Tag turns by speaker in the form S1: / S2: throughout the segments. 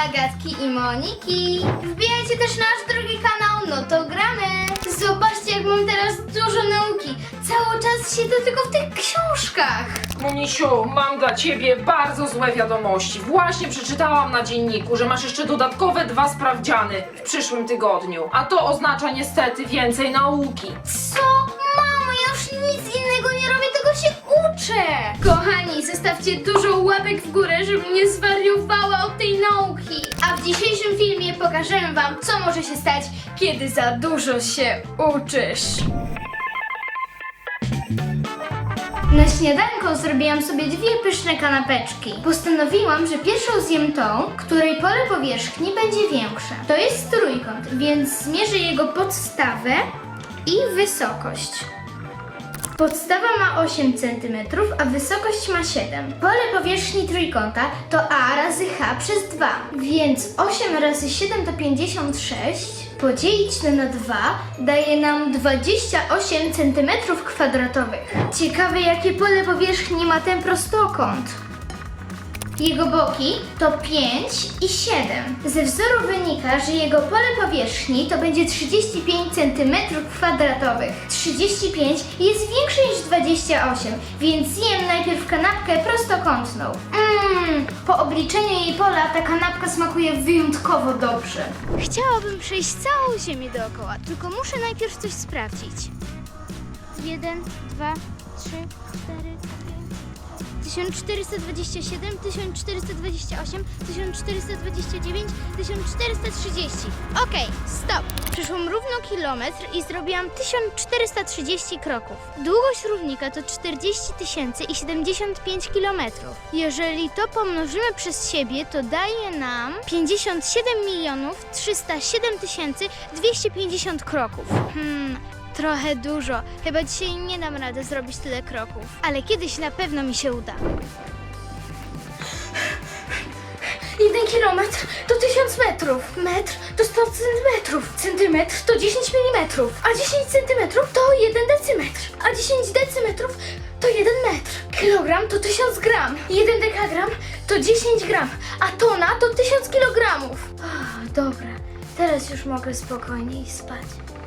S1: Agatki i Moniki. Wbijajcie też nasz drugi kanał, no to gramy. Zobaczcie, jak mam teraz dużo nauki. Cały czas siedzę tylko w tych książkach.
S2: Monisiu, mam dla ciebie bardzo złe wiadomości. Właśnie przeczytałam na dzienniku, że masz jeszcze dodatkowe 2 sprawdziany w przyszłym tygodniu. A to oznacza niestety więcej nauki.
S1: Co? Mamo, ja już nic innego nie robię, tylko się uczę. Kochani, zostawcie dużo łapek w górę, żebym nie zwariowała od tej nauki. A w dzisiejszym filmie pokażemy wam, co może się stać, kiedy za dużo się uczysz. Na śniadanko zrobiłam sobie 2 pyszne kanapeczki. Postanowiłam, że pierwszą zjem tą, której pole powierzchni będzie większe. To jest trójkąt, więc zmierzę jego podstawę i wysokość. Podstawa ma 8 cm, a wysokość ma 7. Pole powierzchni trójkąta to a razy h przez 2, więc 8 razy 7 to 56. Podzielić to na 2 daje nam 28 cm². Ciekawe, jakie pole powierzchni ma ten prostokąt. Jego boki to 5 i 7. Ze wzoru wynika, że jego pole powierzchni to będzie 35 cm². 35 jest większe niż 28, więc zjem najpierw kanapkę prostokątną. Po obliczeniu jej pola ta kanapka smakuje wyjątkowo dobrze. Chciałabym przejść całą ziemię dookoła, tylko muszę najpierw coś sprawdzić. 1, 2, 3, 4, 1427, 1428, 1429, 1430. Okej, stop! Przeszłam równo kilometr i zrobiłam 1430 kroków. Długość równika to 40 000 i 75 kilometrów. Jeżeli to pomnożymy przez siebie, to daje nam 57 307 250 kroków. Trochę dużo. Chyba dzisiaj nie dam rady zrobić tyle kroków. Ale kiedyś na pewno mi się uda. 1 kilometr to 1000 metrów. Metr to 100 centymetrów. Centymetr to 10 milimetrów. A 10 centymetrów to 1 decymetr. A 10 decymetrów to 1 metr. Kilogram to 1000 gram. 1 dekagram to 10 gram. A tona to 1000 kilogramów. Dobra, teraz już mogę spokojniej spać.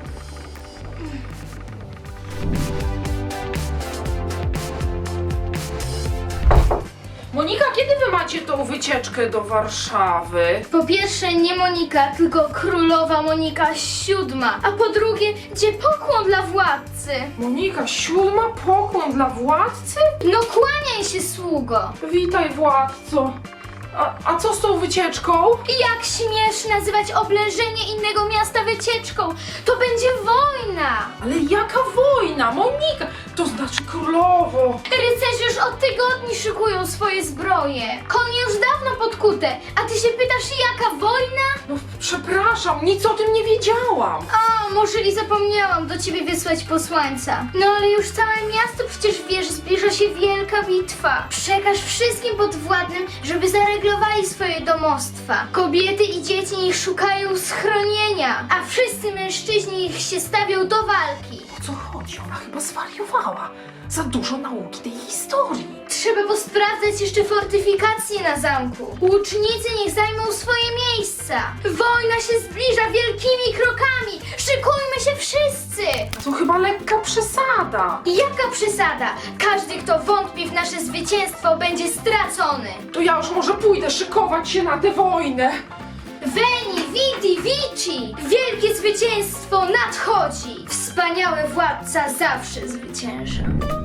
S2: Monika, kiedy wy macie tą wycieczkę do Warszawy?
S1: Po pierwsze nie Monika, tylko królowa Monika VII. A po drugie, gdzie pokłon dla władcy?
S2: Monika, 7? Pokłon dla władcy?
S1: No kłaniaj się, sługo.
S2: Witaj, władco. A co z tą wycieczką?
S1: Jak śmiesz nazywać oblężenie innego miasta wycieczką? To będzie wojna.
S2: Ale jaka wojna, Monika? To znaczy królowo.
S1: Rycerze już od tygodni szykują swoje zbroje. Konie już dawno podkute, a ty się pytasz, jaka wojna?
S2: No przepraszam, nic o tym nie wiedziałam.
S1: A, może i zapomniałam do ciebie wysłać posłańca. No ale już całe miasto przecież wie, że zbliża się wielka bitwa. Przekaż wszystkim podwładnym, żeby zareglowali swoje domostwa. Kobiety i dzieci niech szukają schronienia, a wszyscy mężczyźni niech się stawią do walki.
S2: O co chodzi? Ona chyba zwariowała. Za dużo nauki tej historii.
S1: Trzeba posprawdzać jeszcze fortyfikacje na zamku. Łucznicy niech zajmą swoje miejsca. Wojna się zbliża wielkimi krokami. Szykujmy się wszyscy.
S2: To chyba lekka przesada.
S1: Jaka przesada? Każdy, kto wątpi w nasze zwycięstwo, będzie stracony.
S2: To ja już może pójdę szykować się na tę wojnę.
S1: Veni, vidi, vici! Wielkie zwycięstwo nadchodzi! Wspaniały władca zawsze zwycięża.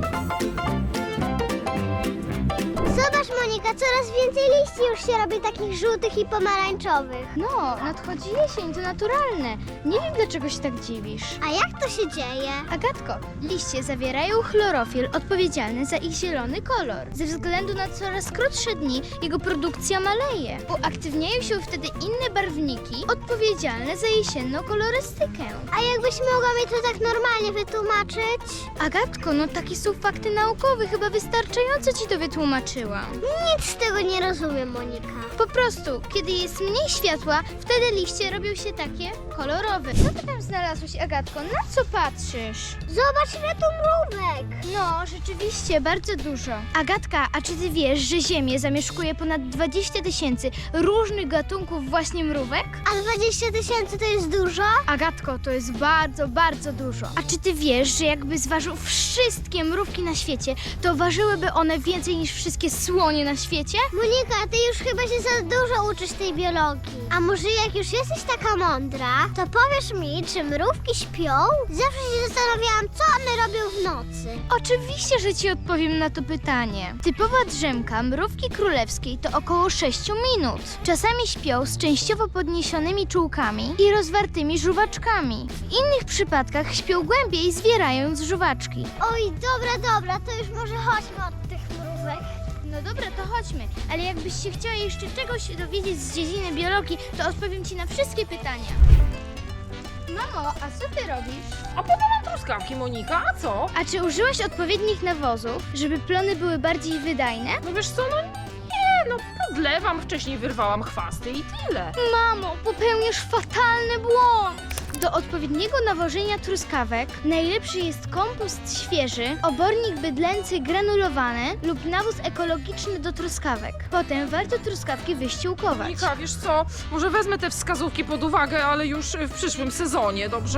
S3: Zobacz, Monika, coraz więcej liści już się robi takich żółtych i pomarańczowych.
S1: No, nadchodzi jesień, to naturalne. Nie wiem, dlaczego się tak dziwisz.
S3: A jak to się dzieje?
S1: Agatko, liście zawierają chlorofil odpowiedzialny za ich zielony kolor. Ze względu na coraz krótsze dni jego produkcja maleje. Uaktywniają się wtedy inne barwniki odpowiedzialne za jesienną kolorystykę.
S3: A jakbyś mogła mi to tak normalnie wytłumaczyć?
S1: Agatko, no takie są fakty naukowe, chyba wystarczająco ci to wytłumaczyłam. zauważyłam.
S3: Nic z tego nie rozumiem, Monika.
S1: Po prostu, kiedy jest mniej światła, wtedy liście robią się takie kolorowe. Co ty tam znalazłeś, Agatko? Na co patrzysz?
S3: Zobacz, ile tu mrówek.
S1: No, rzeczywiście, bardzo dużo. Agatka, a czy ty wiesz, że Ziemię zamieszkuje ponad 20 000 różnych gatunków właśnie mrówek?
S3: A 20 000 to jest dużo?
S1: Agatko, to jest bardzo, bardzo dużo. A czy ty wiesz, że jakby zważył wszystkie mrówki na świecie, to ważyłyby one więcej niż wszystkie słonie na świecie?
S3: Monika, ty już chyba się za dużo uczysz tej biologii. A może jak już jesteś taka mądra, to powiesz mi, czy mrówki śpią? Zawsze się zastanawiałam, co one robią w nocy.
S1: Oczywiście, że ci odpowiem na to pytanie. Typowa drzemka mrówki królewskiej to około 6 minut. Czasami śpią z częściowo podniesionymi czułkami i rozwartymi żuwaczkami. W innych przypadkach śpią głębiej, zwierając żuwaczki.
S3: Oj, dobra, to już może chodźmy od tych mrówek.
S1: No dobra, to chodźmy. Ale jakbyś się chciała jeszcze czegoś dowiedzieć z dziedziny biologii, to odpowiem ci na wszystkie pytania. Mamo, a co ty robisz?
S2: A podałam truskawki, Monika, a co?
S1: A czy użyłaś odpowiednich nawozów, żeby plony były bardziej wydajne?
S2: No wiesz co, no nie, no podlewam, wcześniej wyrwałam chwasty i tyle.
S1: Mamo, popełniasz fatalny błąd! Do odpowiedniego nawożenia truskawek najlepszy jest kompost świeży, obornik bydlęcy granulowany lub nawóz ekologiczny do truskawek. Potem warto truskawki wyściółkować.
S2: Monika, wiesz co, może wezmę te wskazówki pod uwagę, ale już w przyszłym sezonie, dobrze?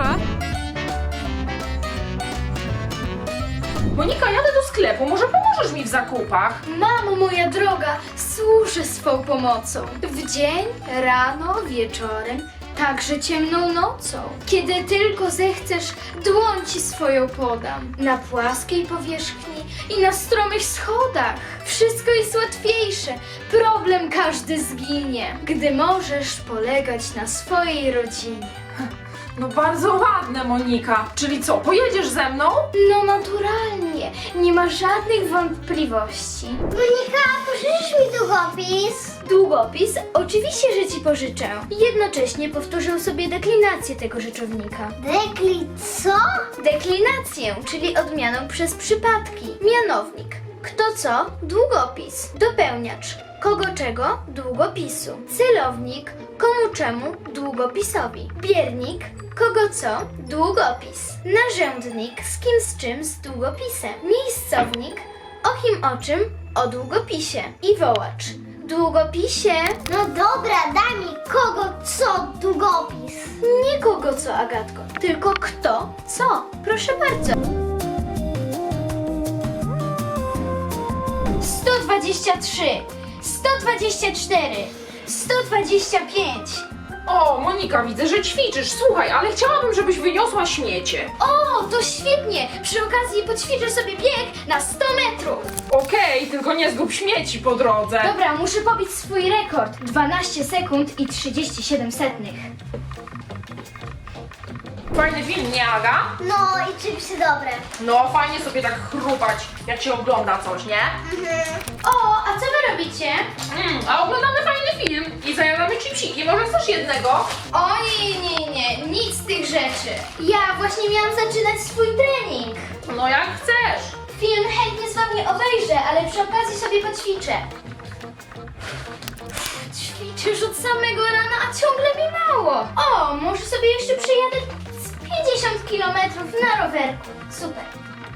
S2: Monika, jadę do sklepu, może pomożesz mi w zakupach?
S1: Mamo moja droga, służę swą pomocą. W dzień, rano, wieczorem, także ciemną nocą. Kiedy tylko zechcesz, dłoń ci swoją podam. Na płaskiej powierzchni i na stromych schodach. Wszystko jest łatwiejsze, problem każdy zginie, gdy możesz polegać na swojej rodzinie.
S2: No bardzo ładne, Monika. Czyli co, pojedziesz ze mną?
S1: No naturalnie, nie ma żadnych wątpliwości.
S3: Monika, pożyczysz mi długopis?
S1: Długopis? Oczywiście, że ci pożyczę. Jednocześnie powtórzę sobie deklinację tego rzeczownika.
S3: Co?
S1: Deklinację, czyli odmianą przez przypadki. Mianownik. Kto co? Długopis. Dopełniacz. Kogo czego? Długopisu. Celownik. Komu czemu? Długopisowi. Biernik. Kogo co? Długopis. Narzędnik. Z kim z czym? Z długopisem. Miejscownik. O kim o czym? O długopisie. I wołacz. Długopisie.
S3: No dobra, daj mi kogo co długopis.
S1: Nie kogo co, Agatko, tylko kto co. Proszę bardzo. 123, 124, 125.
S2: O, Monika, widzę, że ćwiczysz. Słuchaj, ale chciałabym, żebyś wyniosła śmiecie.
S1: O, to świetnie! Przy okazji poćwiczę sobie bieg na 100 metrów.
S2: Okej, tylko nie zgub śmieci po drodze.
S1: Dobra, muszę pobić swój rekord. 12 sekund i 37 setnych.
S2: Fajny film, nie, Aga?
S3: No i czymś dobre.
S2: No, fajnie sobie tak chrupać, jak się ogląda coś, nie?
S1: O, a co wy robicie?
S2: A oglądamy fajny film i zajadamy chipsiki. Może chcesz jednego?
S1: O nie, nic z tych rzeczy. Ja właśnie miałam zaczynać swój trening.
S2: No jak chcesz.
S1: Film chętnie z wami obejrzę, ale przy okazji sobie poćwiczę. Ćwiczę już od samego rana, a ciągle mi mało. O, może sobie jeszcze przejadę z 50 km na rowerku. Super.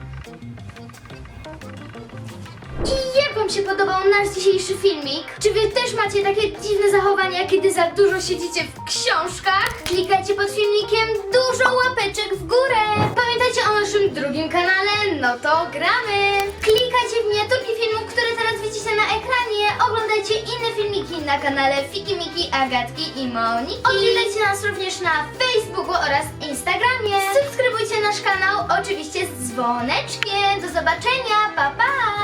S1: I jak wam się podobał nasz dzisiejszy filmik? Czy wy też macie takie dziwne zachowania, kiedy za dużo siedzicie w książkach? Klikajcie pod filmikiem dużo łapeczek w górę. Pamiętajcie o naszym drugim kanale, no to gramy. Klikajcie w miniaturki filmów, które teraz widzicie na ekranie. Oglądajcie inne filmiki na kanale Fiki Miki, Agatki i Moniki. Odwiedzajcie nas również na Facebooku oraz Instagramie. Subskrybujcie nasz kanał, oczywiście z dzwoneczkiem. Do zobaczenia, pa pa!